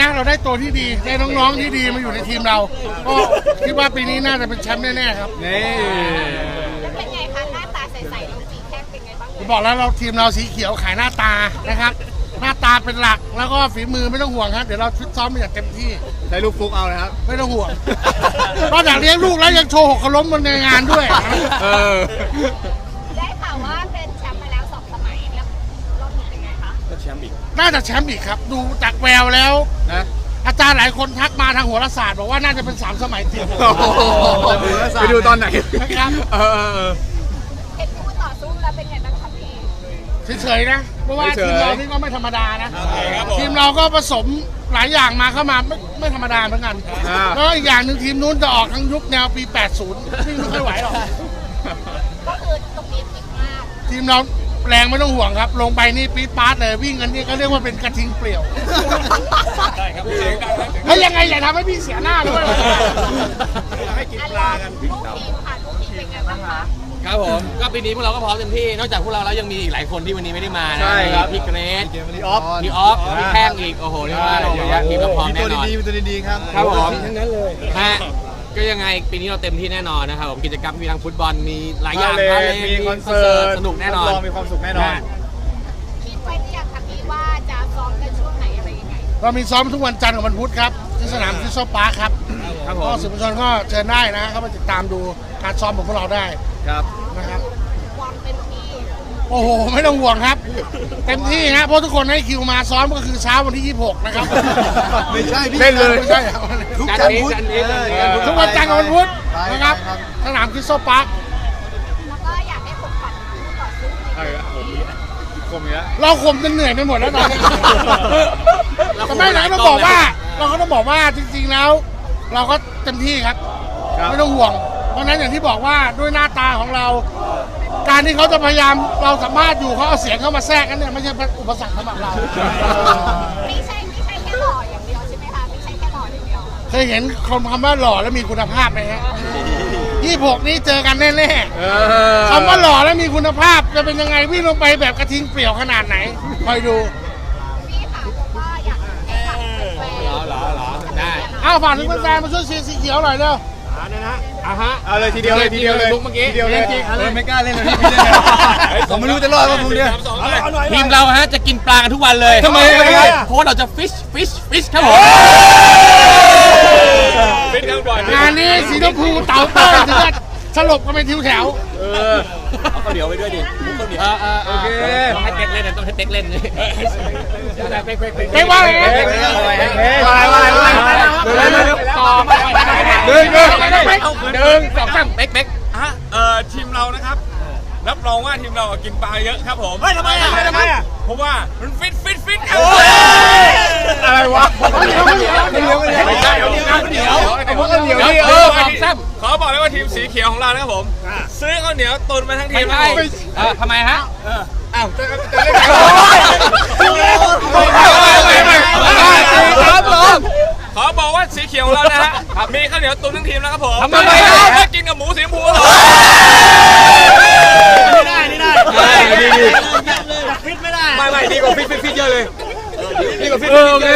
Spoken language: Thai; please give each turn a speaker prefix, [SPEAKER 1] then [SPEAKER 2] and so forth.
[SPEAKER 1] นะเราได้ตัวที่ดีได้น้องๆที่ดีมาอยู่ในทีมเราก็คิดว่าปีนี้น่าจะเป็นแชมป์แน่ๆครับ
[SPEAKER 2] นี่
[SPEAKER 3] เป็นไงคะหน้าตาใสๆน้องสีแข้งเป็นไงบ้าง
[SPEAKER 1] บอกแล้วเราทีมเราสีเขียวขายหน้าตานะครับหน้าตาเป็นหลักแล้วก็ฝีมือไม่ต้องห่วงครับเดี๋ยวเราฟิตซ้อมอย่างเต็มที่
[SPEAKER 2] ใช้ลูกฟุกเอาเลยครับ
[SPEAKER 1] ไม่ต้องห่วงนอกจากเลี้ยงลูกแล้วยังโชว์หกล้มบนในงานด้วย
[SPEAKER 3] ได้ข่าวว่าเป็นแชมป์มาแล้ว2 สมัยแล้วรอบนี้เป็นไงคะ
[SPEAKER 2] ก็แชมป์อีก
[SPEAKER 1] น่าจะแชมป์อีกครับดูจากแววแล้วนะอาจารย์หลายคนทักมาทางโหราศาสตร์บอกว่าน่าจะเป็น3 สมัยติด
[SPEAKER 2] ไปดูตอนไหน
[SPEAKER 1] นะครับ
[SPEAKER 3] เห็นคู่ต่อสู้แล้วเป็นไงบ้างครับพี่
[SPEAKER 1] เฉยๆนะเพราะว่าทีมเรานี่ก็ไม่ธรรมดานะทีมเราก็ผสมหลายอย่างมาเข้ามาไม่ธรรมดาเหมือนกันแล้วอีกอย่างหนึ่งทีมนู้นจะออกทั้งยุคแนวปี 80วิ่งไม่ค่อยไหวหรอก
[SPEAKER 3] ก็คือตรงนี้ติดมาก
[SPEAKER 1] ทีมเราแรงไม่ต้องห่วงครับลงไปนี่ปี๊ดป๊าดเลยวิ่งกันนี่ก็เรียกว่าเป็นกระทิงเปลี่ยว
[SPEAKER 2] ใช่ครับ
[SPEAKER 1] เฮ้ยยังไงอย่าทำให้พี่เสียหน้าด้วย
[SPEAKER 3] ให้กินปลากันลูกทีมค่ะลูกทีมเป็นไงบ้างคะ
[SPEAKER 4] ครับผมก็ปีนี้พวกเราก็พร้อมเต็มที่นอกจากพวกเราแล้วยังมีอีกหลายคนที่วันนี้ไม่ได้มานะพี่เกรซ
[SPEAKER 2] พี่
[SPEAKER 4] ออฟพี่แข้งอีกโอ้โหเรียกว่าทีมเราพร้อมแน่นอน
[SPEAKER 2] มีตัวดีๆครับ
[SPEAKER 4] ครับผม
[SPEAKER 2] ทั้งนั้นเลย
[SPEAKER 4] ก็ยังไงปีนี้เราเต็มที่แน่นอนนะครับผมกิจกรรมมีทั้งฟุตบอลมีหลายอย่าง
[SPEAKER 2] มีคอนเสิร์ต
[SPEAKER 4] สนุกแน่นอน
[SPEAKER 2] มีความสุขแน่นอน
[SPEAKER 3] คิดไว้หรือยังคะพี่ว่าจะซ้อมกันช่วงไหนอะไรยังไง
[SPEAKER 1] เรามีซ้อมทุกวันจันทร์กับวันพุธครับที่สนามคริสตัลพาร์คครับก็สื่อมวลชนก็เชิญได้นะเข้ามาติดตามดูการซ้อมของพวกเราได้
[SPEAKER 2] ครับ
[SPEAKER 1] นะครับ
[SPEAKER 3] ความเต็มที่
[SPEAKER 1] โอ้โหไม่ต้องห่วงครับเต็มที่นะเพราะทุกคนให้คิวมาซ้อมก็คือเช้าวันที่26นะครับ
[SPEAKER 2] ไม่ใช่
[SPEAKER 1] พี่เล่นเลยไม่ใช่
[SPEAKER 4] ทุกจันทร์พุธ
[SPEAKER 1] ทุกวันจันทร์กับวันพุธนะครับสนามคริสตัลพาร์ค
[SPEAKER 3] แล้วก็อยากให้ผมฝันคู่ต่อสู้
[SPEAKER 2] คมเนี้ย
[SPEAKER 1] เราข่มจนเหนื่อยไปหมดแล้วตอนนี้แต่ไม่ไหนต้องบอกว่าเราก็ต้องบอกว่าจริงๆแล้วเราก็เต็มที่ครับไม่ต้องห่วงเพราะนั้นอย่างที่บอกว่าด้วยหน้าตาของเราการที่เขาจะพยายามเราสัมภาษณ์อยู่เขาเอาเสียงเข้ามาแทรกกันเนี่ยไม่ใช่อุปสรรคสำหรับเรา
[SPEAKER 3] ไม่ใช่แค่หล่ออย่างเดียวใช่ไหมคะไม่ใช่แค่หล่ออย่างเดียว
[SPEAKER 1] เคยเห็นคำว่าหล่อแล้วมีคุณภาพไหมฮะ26นี้เจอกันแน่ๆคำว่าหล่อแล้วมีคุณภาพจะเป็นยังไงวิ่งลงไปแบบกระทิงเปลี่ยวขนาดไหนคอยดู
[SPEAKER 3] พี่ค่ะผมว่าอยากให้ฝากแฟน
[SPEAKER 4] ได้
[SPEAKER 1] ฝากถึงแฟนๆมาช่วยเชียร์สีเขียวหน่อยเร็ว
[SPEAKER 2] เอาเลยทีเดียวเลย
[SPEAKER 4] ลุกเมื่อกี้
[SPEAKER 2] ทีเดียวเลยไม่กล้าเล่นเลยพี่เล่นผมไม่รู้จะรอดว่าพวกเนี้ย
[SPEAKER 4] ทีมเราฮะจะกินปลากันทุกวันเลย
[SPEAKER 2] ทำไม
[SPEAKER 4] เพราะเราจะฟิชครับผม
[SPEAKER 1] งานนี้สีชมพูเต่าเต้ยถึงจะสลบกันเป็นทิวแถว
[SPEAKER 4] เอาข้าวเหนียวไปด้วยดิข้าวเหนียว
[SPEAKER 2] โอเค
[SPEAKER 4] ต้องให้เต็กเล่นต้องให้เต็กเล่น
[SPEAKER 1] เป๊กว่าไง
[SPEAKER 4] ต่อมา1 2 3เป๊ก
[SPEAKER 5] ทีมเรานะครับรับรองว่าทีมเรากินปลาเยอะครับผม
[SPEAKER 2] ทำไม
[SPEAKER 5] เพราะว่ามันฟิตครับ
[SPEAKER 2] อะไรวะ
[SPEAKER 4] ไม่ใช่เดี๋ยว
[SPEAKER 5] ขอบอกเลยว่าทีมสีเขียวของเรานะครับผมซื้อข้าวเหนียวตุนมาทั้งทีม
[SPEAKER 4] ทำไมฮะ
[SPEAKER 5] ขอบอกว่าสีเขียวของเรานะฮะมีข้าวเหนียวตุนทั้งทีมแล้วครับผม
[SPEAKER 4] ทำไม
[SPEAKER 5] ไม่กินกับหมูสีชมพู
[SPEAKER 2] ฟิตไม่ได้ไม่ดีกว่าฟิตเยอะเลย
[SPEAKER 4] ดีกว่าฟิต